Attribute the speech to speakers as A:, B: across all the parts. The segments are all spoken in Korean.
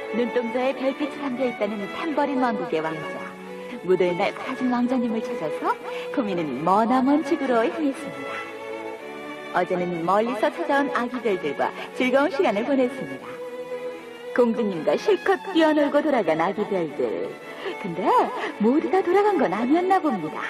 A: 눈동자에 별빛이 담겨있다는 탬버린 왕국의 왕자. 무더운 날 사라진 왕자님을 찾아서 코미는 머나먼 집으로 향했습니다. 어제는 멀리서 찾아온 아기별들과 즐거운 시간을 보냈습니다. 공주님과 실컷 뛰어놀고 돌아간 아기별들. 근데 모두 다 돌아간 건 아니었나 봅니다.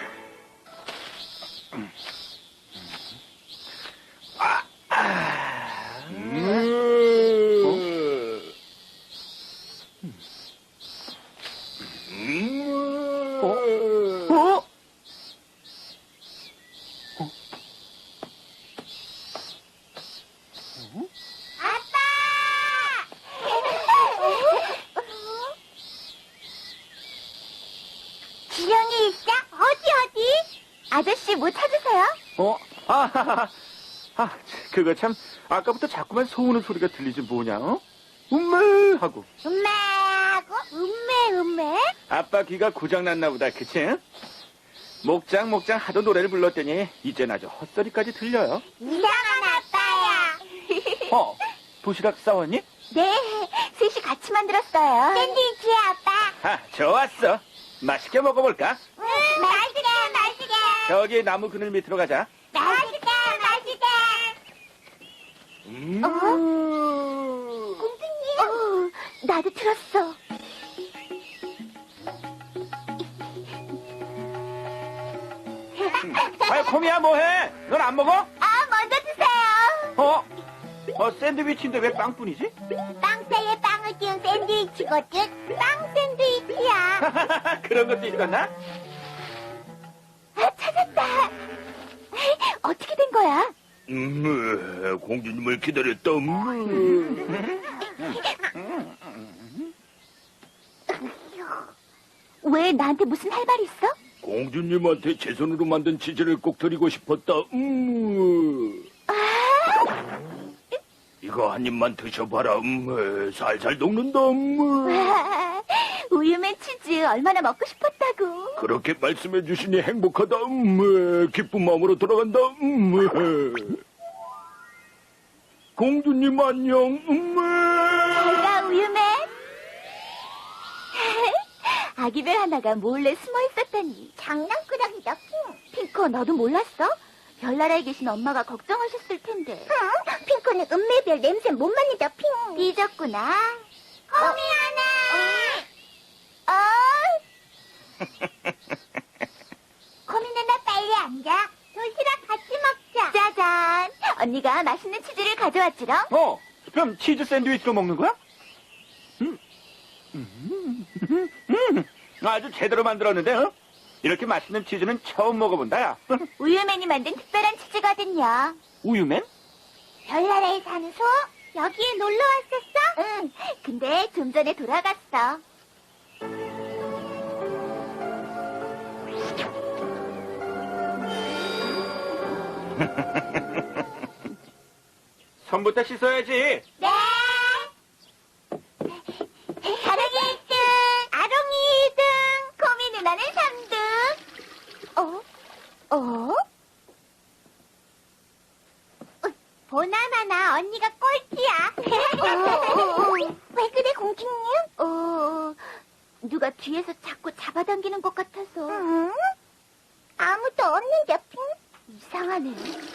B: 지령이 있어? 어디?
A: 아저씨 뭐 찾으세요?
C: 그거 참 아까부터 자꾸만 소우는 소리가 들리지 뭐냐? 음메 하고.
B: 음메하고 음메?
C: 아빠 귀가 고장났나 보다, 그치? 목장 하도 노래를 불렀더니 이젠 아주 헛소리까지 들려요.
B: 이상한 아빠야.
C: 도시락 싸웠니?
A: 네, 셋이 같이 만들었어요.
B: 샌드위치야, 아빠.
C: 좋았어. 맛있게 먹어볼까?
B: 맛있게.
C: 저기 나무 그늘 밑으로 가자.
B: 맛있게.
A: 공주님? 나도 들었어.
C: 코미야 뭐해? 넌 안 먹어?
B: 먼저 드세요.
C: 샌드위치인데 왜 빵뿐이지?
B: 빵 사이에 빵을 띄운 샌드위치거든. 빵 샌드위치야.
C: 그런 것도 읽었나?
A: 찾았다. 어떻게 된 거야?
D: 공주님을 기다렸다.
A: 왜 나한테 무슨 할 말 있어?
D: 공주님한테 제 손으로 만든 치즈를 꼭 드리고 싶었다. 이거 한 입만 드셔봐라. 살살 녹는다.
A: 와, 우유맨 치즈 얼마나 먹고 싶었다고.
D: 그렇게 말씀해 주시니 행복하다. 기쁜 마음으로 돌아간다. 공주님 안녕.
A: 잘가 우유맨. 아기별 하나가 몰래 숨어 있었다니.
B: 장난꾸러기다,
A: 핑크, 너도 몰랐어? 별나라에 계신 엄마가 걱정하셨을 텐데.
B: 핑크는 음메별 냄새 못 맡는다, 핑.
A: 삐졌구나.
B: 코미 하나. 코미 누나 빨리 앉아. 도시락 같이 먹자.
A: 짜잔. 언니가 맛있는 치즈를 가져왔지롱.
C: 그럼 치즈 샌드위치로 먹는 거야? 아주 제대로 만들었는데, 이렇게 맛있는 치즈는 처음 먹어본다, 야.
A: 우유맨이 만든 특별한 치즈거든요.
C: 우유맨?
B: 별나라에 사는 소? 여기에 놀러 왔었어?
A: 응, 근데 좀 전에 돌아갔어.
C: 손부터 씻어야지.
B: 네. 아롱이 1등, 아롱이 2등,
A: 코미 누나는 3등.
B: 보나마나 언니가 꼴찌야. 왜 그래, 공주님?
A: 누가 뒤에서 자꾸 잡아당기는 것 같아서.
B: 응? 아무도 없는데, 핑?
A: 이상하네.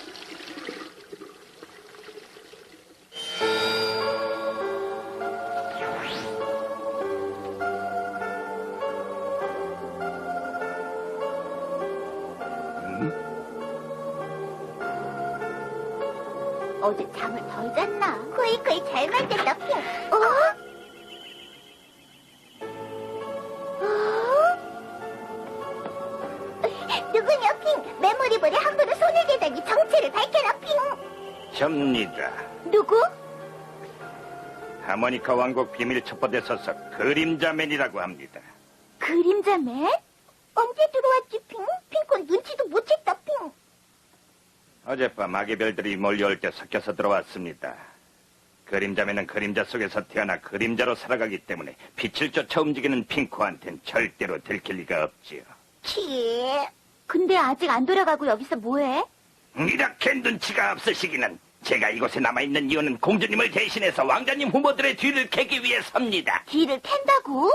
A: 어제 잠을 덜 잤나?
B: 거의 잘 만든다, 핑. 누구냐, 핑? 메모리볼에 함부로 손을 대다니 정체를 밝혀라, 핑.
D: 접니다.
A: 누구?
D: 하모니카 왕국 비밀 첩보대 소속 그림자맨이라고 합니다.
A: 그림자맨?
B: 언제 들어왔지, 핑? 핑콘 눈치도 못 챘다, 핑.
D: 어젯밤 아기별들이 몰려올 때 섞여서 들어왔습니다. 그림자매는 그림자 속에서 태어나 그림자로 살아가기 때문에 빛을 쫓아 움직이는 핑크한텐 절대로 들킬 리가 없지요.
B: 치.
A: 근데 아직 안 돌아가고 여기서 뭐해?
D: 이렇게 눈치가 없으시기는 제가 이곳에 남아있는 이유는 공주님을 대신해서 왕자님 후보들의 뒤를 캐기 위해서입니다.
B: 뒤를 캔다고?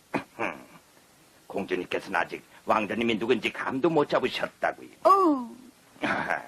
D: 공주님께서는 아직 왕자님이 누군지 감도 못 잡으셨다고요.
B: 어.
D: 아하,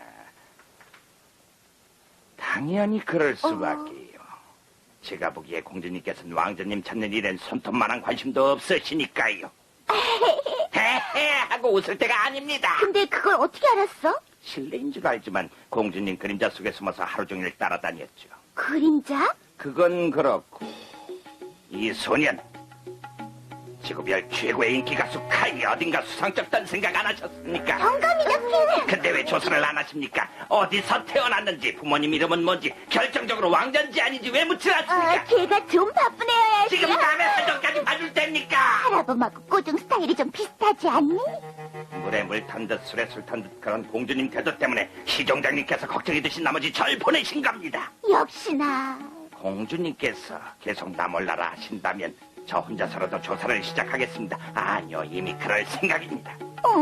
D: 당연히 그럴 수밖에요. 제가 보기에 공주님께서는 왕자님 찾는 일엔 손톱만한 관심도 없으시니까요. 헤헤 하고 웃을 때가 아닙니다.
B: 근데 그걸 어떻게 알았어?
D: 실례인 줄 알지만 공주님 그림자 속에 숨어서 하루 종일 따라다녔죠.
B: 그림자?
D: 그건 그렇고 이 소년 지구별 최고의 인기 가수 카이 어딘가 수상쩍다는 생각 안 하셨습니까?
B: 정감이다, 핑.
D: 근데 왜 조사를 안 하십니까? 어디서 태어났는지 부모님 이름은 뭔지 결정적으로 왕자인지 아닌지 왜 묻지 않습니까?
B: 걔가 좀 바쁜 애여야지.
D: 지금 남의 사정까지 봐줄 때입니까?
B: 할아범하고 꼬중 스타일이 좀 비슷하지 않니?
D: 물에 물 탄 듯 술에 술 탄 듯 그런 공주님 태도 때문에 시종장님께서 걱정이 드신 나머지 절 보내신 겁니다.
B: 역시나.
D: 공주님께서 계속 나 몰라라 하신다면 저 혼자서라도 조사를 시작하겠습니다. 아니요, 이미 그럴 생각입니다.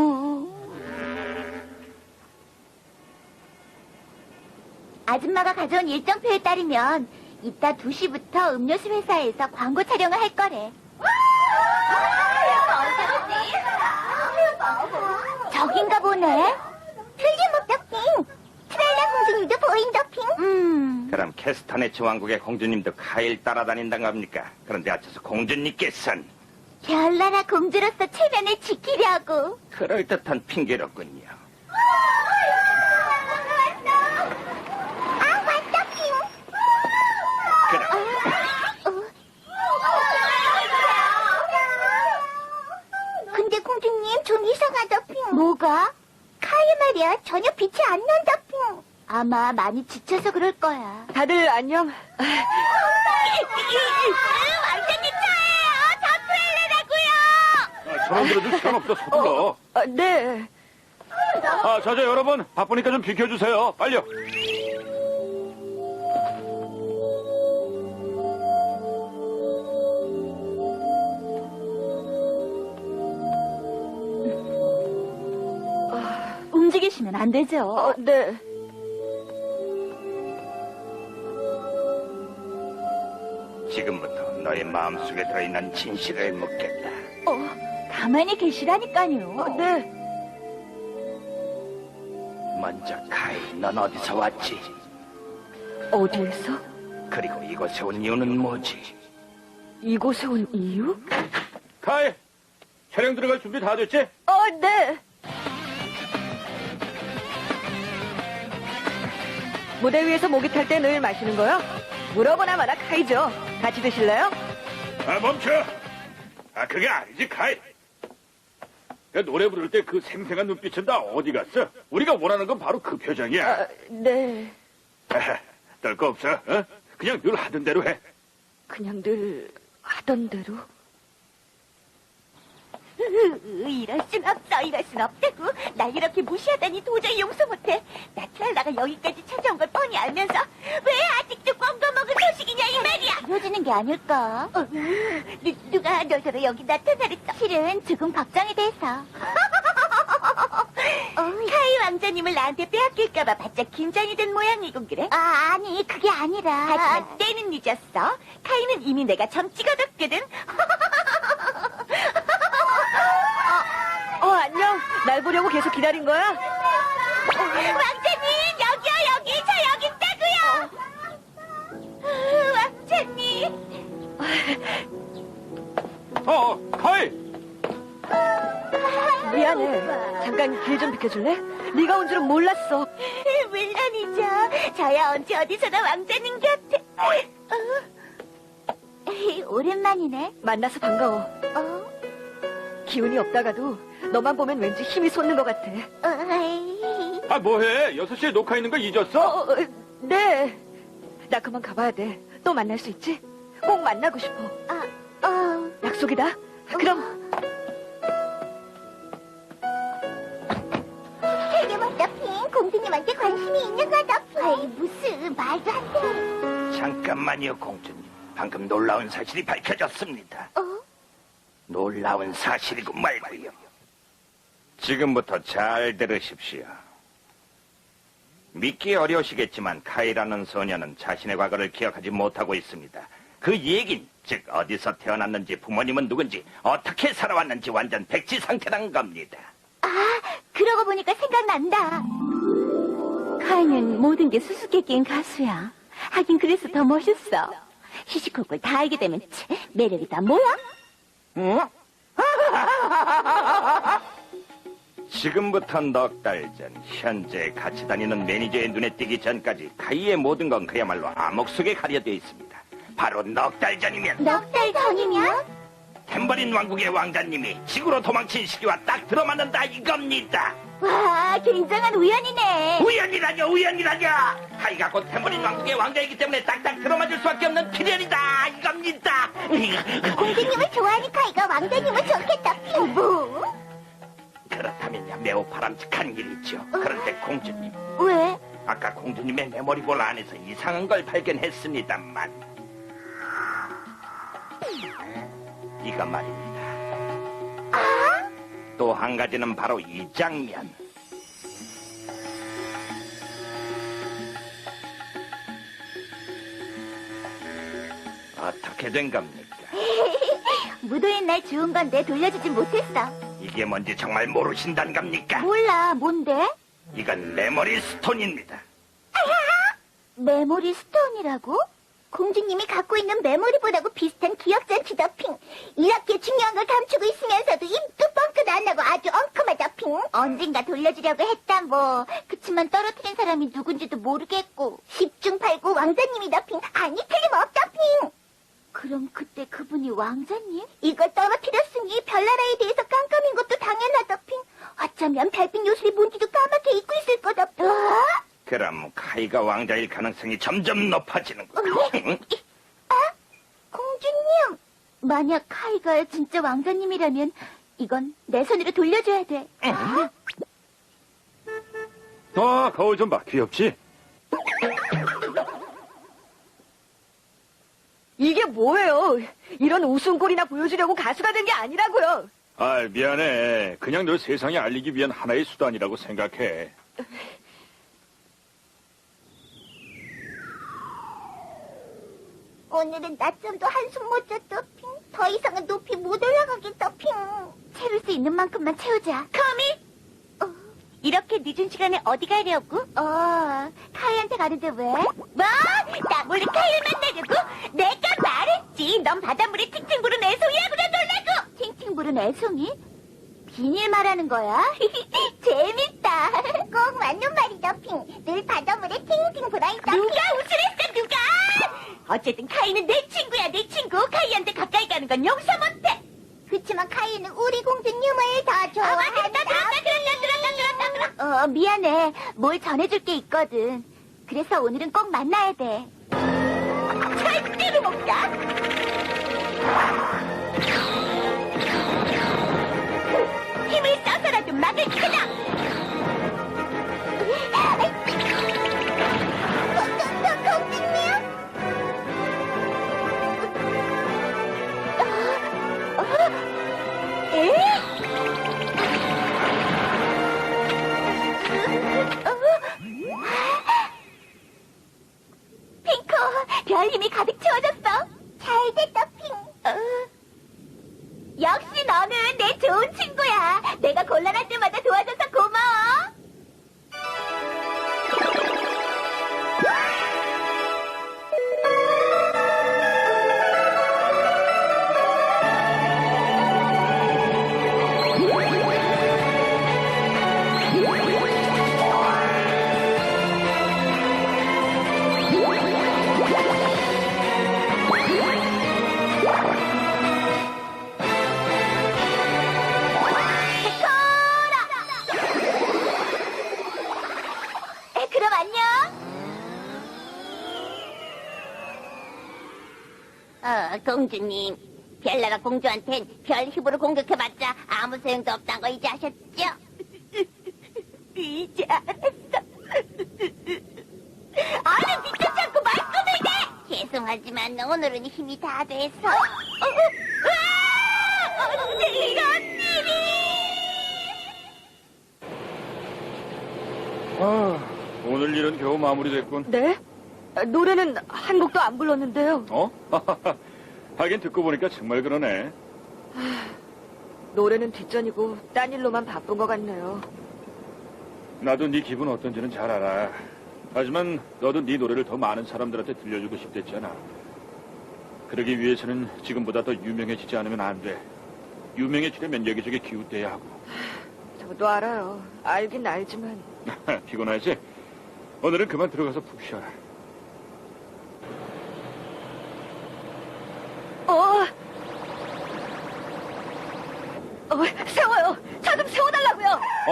B: 아줌마가 가져온 일정표에 따르면 이따 2시부터 음료수 회사에서 광고 촬영을 할 거래. 저긴가 보네. 틀림없다, 핑. 트랄라 공주님도 보인다, 핑.
D: 그럼 캐스터네츠 왕국의 공주님도 카일 따라다닌다는 겁니까? 그런데 어째서 공주님께서는
B: 별나라 공주로서 체면을 지키려고.
D: 그럴듯한 핑계로군요.
B: 아, 맞다, 핑.
D: 그럼
B: 근데 공주님 좀 이상하다, 핑. 뭐가? 카이 말이야. 전혀 빛이 안 난다, 핑. 아마 많이 지쳐서 그럴 거야.
A: 다들 안녕.
B: 완전히 차예요. 저
C: 저놈들도 시간 없어 서둘러.
A: 네.
C: 자자 여러분 바쁘니까 좀 비켜주세요. 빨리요.
A: 움직이시면 안 되죠. 네.
D: 지금부터 너의 마음속에 들어있는 진실을 묻겠다.
A: 가만히 계시라니까요. 네.
D: 먼저 카이, 넌 어디서 왔지?
A: 어디에서?
D: 그리고 이곳에 온 이유는 뭐지?
A: 이곳에 온 이유?
C: 카이 촬영 들어갈 준비 다 됐지?
A: 네. 무대 위에서 목이 탈 때 늘 마시는 거요? 물어보나 마나 카이죠. 같이 드실래요?
C: 멈춰. 그게 아니지 카이. 그 노래 부를 때 그 생생한 눈빛은 다 어디 갔어? 우리가 원하는 건 바로 그 표정이야.
A: 네.
C: 떨 거 없어. 어? 그냥 늘 하던 대로 해.
A: 그냥 늘 하던 대로.
B: 이럴 순 없어. 이럴 순 없다고. 날 이렇게 무시하다니 도저히 용서 못해. 나 트랄라가 여기까지 찾아온 걸 뻔히 알면서 왜 아직도 꽝도 먹은 소식이냐 이 말이야. 이러지는 게 아닐까? 누가 너더러 여기 나타나랬어. 실은 조금 걱정이 돼서. 카이 왕자님을 나한테 빼앗길까봐 바짝 긴장이 된 모양이고 그래? 아니 그게 아니라. 하지만 때는 늦었어. 카이는 이미 내가 점 찍어뒀거든.
A: 안녕. 날 보려고 계속 기다린 거야?
B: 왕자님 여기요 여기 저 여기 있다고요. 왕자님.
C: 카이.
A: 미안해. 잠깐 길 좀 비켜줄래? 네가 온 줄은 몰랐어.
B: 물론이죠. 저야 언제 어디서나 왕자님 곁에. 오랜만이네.
A: 만나서 반가워. 기운이 없다가도 너만 보면 왠지 힘이 솟는 것 같아.
C: 뭐해? 6시에 녹화 있는 거 잊었어?
A: 네. 나 그만 가봐야 돼. 또 만날 수 있지? 꼭 만나고 싶어. 약속이다. 그럼.
B: 되게 멋져, 핑. 공주님한테 관심이 있는 거다, 핑. 무슨 말도 안 돼.
D: 잠깐만요, 공주님. 방금 놀라운 사실이 밝혀졌습니다. 놀라운 사실이고 말고요. 지금부터 잘 들으십시오. 믿기 어려우시겠지만 카이라는 소녀는 자신의 과거를 기억하지 못하고 있습니다. 그 얘긴 즉 어디서 태어났는지 부모님은 누군지 어떻게 살아왔는지 완전 백지 상태란 겁니다.
B: 아, 그러고 보니까 생각난다.
A: 카이는 모든 게 수수께끼인 가수야. 하긴 그래서 더 멋있어.
B: 시시콜콜 다 알게 되면 매력이 다 뭐야?
D: 지금부터 넉 달 전 현재 같이 다니는 매니저의 눈에 띄기 전까지 카이의 모든 건 그야말로 암흑 속에 가려져 있습니다. 바로 넉 달 전이면
B: 넉 달 전이면?
D: 탬버린 왕국의 왕자님이 지구로 도망친 시기와 딱 들어맞는다 이겁니다.
B: 와, 굉장한 우연이네.
D: 우연이라뇨. 카이가 곧 탬버린 왕국의 왕자이기 때문에 딱딱 들어맞을 수밖에 없는 필연이다 이겁니다.
B: 공주님을 좋아하는 카이가 왕자님을 좋겠다. 뭐?
D: 그렇다면야 매우 바람직한 일이죠. 그런데 공주님,
B: 왜?
D: 아까 공주님의 메모리볼 안에서 이상한 걸 발견했습니다만 이거 말입니다. 또 한 가지는 바로 이 장면. 어떻게 된 겁니까?
B: 무도인 날 주운 건데 돌려주진 못했어.
D: 이게 뭔지 정말 모르신단 겁니까?
B: 몰라, 뭔데?
D: 이건 메모리 스톤입니다.
B: 메모리 스톤이라고? 공주님이 갖고 있는 메모리보다고 비슷한 기억장치 더핑. 이렇게 중요한 걸 감추고 있으면서도 입도 뻥끗 안 나고 아주 엉큼하다 핑. 언젠가 돌려주려고 했다 뭐. 그치만 떨어뜨린 사람이 누군지도 모르겠고. 10중 8구 왕자님이다 핑. 아니 틀림없다 핑. 그럼 그때 그분이 왕자님? 이걸 떨어뜨렸으니 별나라에 대해서 깜깜인 것도 당연하다 핑. 어쩌면 별빛 요술이 뭔지도 까맣게 잊고 있을 거다 핑.
D: 그럼 카이가 왕자일 가능성이 점점 높아지는군.
B: 공주님! 만약 카이가 진짜 왕자님이라면 이건 내 손으로 돌려줘야 돼.
C: 거울 좀 봐. 귀엽지?
A: 이게 뭐예요? 이런 웃음꼴이나 보여주려고 가수가 된 게 아니라고요.
C: 아, 미안해. 그냥 널 세상에 알리기 위한 하나의 수단이라고 생각해.
B: 오늘은 낮잠도 한숨 못 잤다 핑. 더 이상은 높이 못 올라가겠다 핑. 채울 수 있는 만큼만 채우자. 커미? 이렇게 늦은 시간에 어디 가려고? 카이한테 가는데 왜? 뭐? 나 몰래 카이를 만나려고? 내가 말했지. 넌 바닷물에 팅팅 부른 애송이야 그래 놀라고. 팅팅 부른 애송이? 비닐 말하는 거야? 재밌다. 꼭 맞는 말이다 핑. 늘 바닷물에 팅팅 불어있다. 누가 우쭐했어 누가? 어쨌든 카이는 내 친구야 내 친구. 카이한테 가까이 가는 건 용서 못해. 그치만 카이는 우리 공주님을 더 좋아한다. 들었다. 미안해. 뭘 전해줄 게 있거든. 그래서 오늘은 꼭 만나야 돼. 절대로 못 가. 힘을 써서라도 막을 거다. 공주님? 핑크, 별 힘이 가득 채워졌어. 잘 됐다, 핑. 역시 너는 내 좋은 친구야. 내가 곤란할 때마다 도와줘서 고마워. 그럼 안녕. 공주님. 별나라 공주한텐 별 힘으로 공격해봤자 아무 소용도 없다는 거 이제 아셨죠? 이제 알았어. 얼른 뒤쫓지 않고 말끔을 내! 죄송하지만 오늘은 힘이 다 돼서. 언제 이런 일이!
C: 오늘 일은 겨우 마무리됐군.
E: 네? 노래는 한 곡도 안 불렀는데요.
C: 어? 하긴 듣고 보니까 정말 그러네.
E: 노래는 뒷전이고 딴 일로만 바쁜 것 같네요.
C: 나도 네 기분 어떤지는 잘 알아. 하지만 너도 네 노래를 더 많은 사람들한테 들려주고 싶댔잖아. 그러기 위해서는 지금보다 더 유명해지지 않으면 안 돼. 유명해지려면 여기저기 기웃대야 하고.
E: 저도 알아요. 알긴 알지만.
C: 피곤하지? 오늘은 그만 들어가서 푹 쉬어라.
E: 세워요. 차 좀 세워달라고요.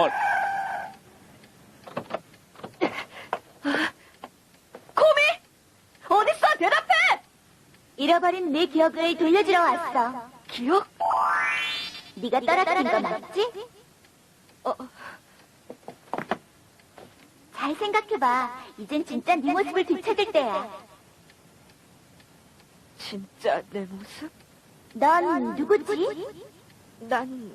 E: 코미! 어딨어? 대답해!
B: 잃어버린 내 기억을 돌려주러 왔어.
E: 기억?
B: 네가 떨어뜨린 거 맞지? 잘 생각해봐. 이젠 진짜 네 모습을 되찾을 때야.
E: 진짜 내 모습?
B: 넌 누구지?
E: 난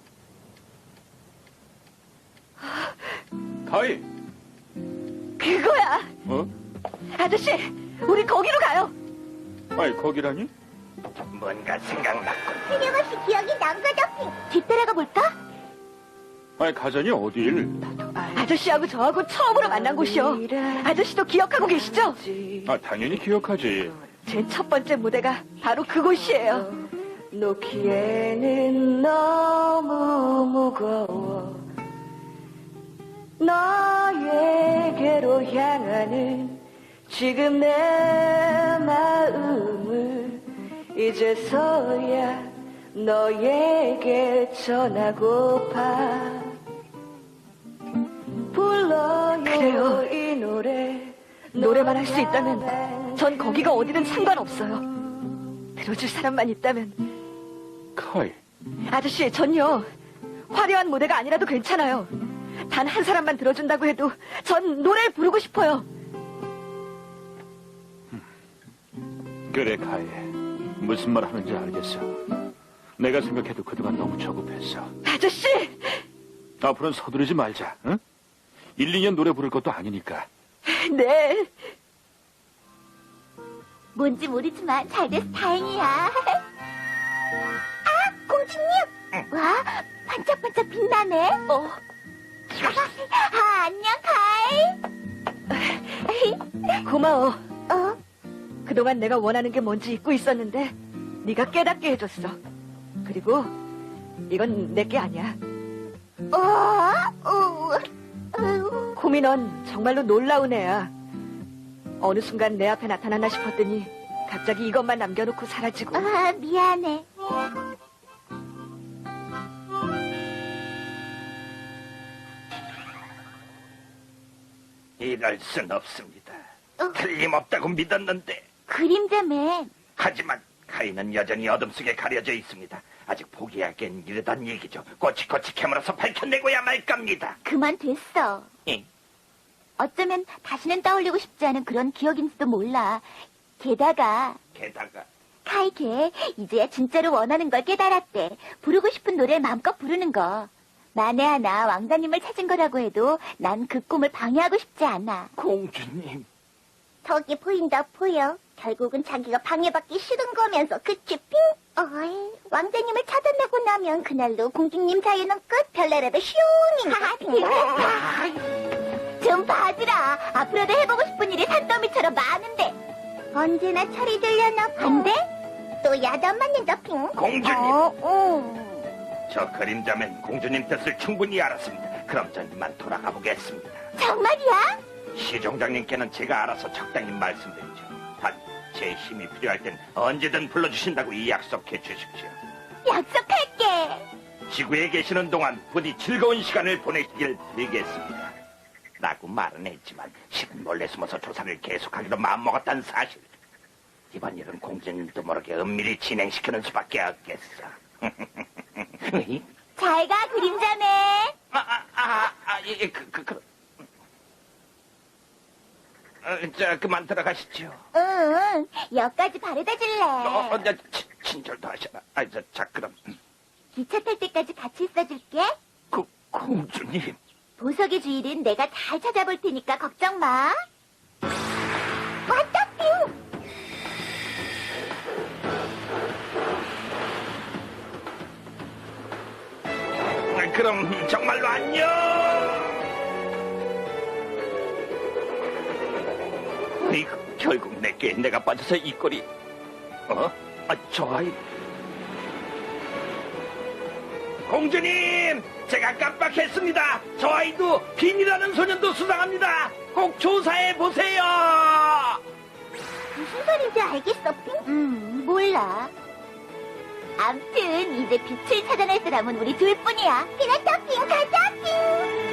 C: 가희!
E: 그거야.
C: 어?
E: 아저씨, 우리 거기로 가요.
C: 아니, 거기라니?
D: 뭔가 생각났군.
B: 틀림없이 기억이 난 거죠. 뒤따라가 볼까?
C: 아니, 가자니 어딜?
E: 아저씨하고 저하고 처음으로 만난 곳이요. 아저씨도 기억하고 계시죠?
C: 당연히 기억하지.
E: 제 첫 번째 무대가 바로 그곳이에요. 놓기에는 너무 무거워 너에게로 향하는 지금 내 마음을 이제서야 너에게 전하고파 불러요 그래요. 이 노래만 할 수 있다면 전 거기가 어디든 상관없어요. 들어줄 사람만 있다면.
C: 카이.
E: 아저씨, 전요. 화려한 무대가 아니라도 괜찮아요. 단 한 사람만 들어준다고 해도 전 노래를 부르고 싶어요.
C: 그래, 카이. 무슨 말 하는지 알겠어. 내가 생각해도 그동안 너무 조급했어.
E: 아저씨!
C: 앞으로는 서두르지 말자, 응? 1, 2년 노래 부를 것도 아니니까.
E: 네.
B: 뭔지 모르지만 잘 돼서 다행이야. 아, 공주님! 와, 반짝반짝 빛나네. 안녕, 카이.
E: 고마워. 그동안 내가 원하는 게 뭔지 잊고 있었는데 네가 깨닫게 해줬어. 그리고 이건 내게 아니야. 코미 넌 정말로 놀라운 애야. 어느 순간 내 앞에 나타나나 싶었더니 갑자기 이것만 남겨놓고 사라지고.
B: 아, 미안해.
D: 이럴 순 없습니다. 틀림없다고 믿었는데.
B: 그림자맨.
D: 하지만 카이는 여전히 어둠 속에 가려져 있습니다. 아직 포기하기엔 이르단 얘기죠. 꼬치꼬치 캐물어서 밝혀내고야 말 겁니다.
B: 그만 됐어.
D: 응.
B: 어쩌면 다시는 떠올리고 싶지 않은 그런 기억인지도 몰라. 게다가 카이 걔 이제야 진짜로 원하는 걸 깨달았대. 부르고 싶은 노래 마음껏 부르는 거. 만에 하나 왕자님을 찾은 거라고 해도 난 그 꿈을 방해하고 싶지 않아.
D: 공주님.
B: 저기 보인다 보여. 결국은 자기가 방해받기 싫은 거면서 그치 핑? 어이, 왕자님을 찾아내고 나면 그날로 공주님 사이는 끝. 별나라도 슝. 좀 봐주라. 앞으로도 해보고 싶은 일이 산더미처럼 많은데 언제나 철이 들려나 반대? 또 야단 맞는다 핑.
D: 공주님. 저 그림자맨 공주님 뜻을 충분히 알았습니다. 그럼 전 이만 돌아가 보겠습니다.
B: 정말이야?
D: 시종장님께는 제가 알아서 적당히 말씀드리죠. 단 제 힘이 필요할 땐 언제든 불러주신다고 이 약속해 주십시오.
B: 약속할게.
D: 지구에 계시는 동안 부디 즐거운 시간을 보내시길 빌겠습니다. 라고 말은 했지만 실은 몰래 숨어서 조사를 계속하기로 마음먹었다는 사실. 이번 일은 공주님도 모르게 은밀히 진행시키는 수밖에 없겠어.
B: 잘 가 그림자맨.
D: 자, 그만 들어가시죠.
B: 응, 여기까지 바래다 줄래.
D: 친절도 하셔라. 자, 그럼.
B: 기차 탈 때까지 같이 있어줄게.
D: 공주님.
B: 보석의 주인은 내가 잘 찾아볼 테니까 걱정 마. 왔다, 뿅!
D: 그럼 정말로 안녕. 이거 결국 내게 내가 빠져서 이 꼴이. 저 아이. 공주님, 제가 깜빡했습니다. 저 아이도 빈이라는 소년도 수상합니다. 꼭 조사해 보세요.
B: 무슨 소린지 알겠어, 핑? 몰라. 암튼 이제 빛을 찾아낼 사람은 우리 둘뿐이야. 그렇다, 핑. 가자, 핑.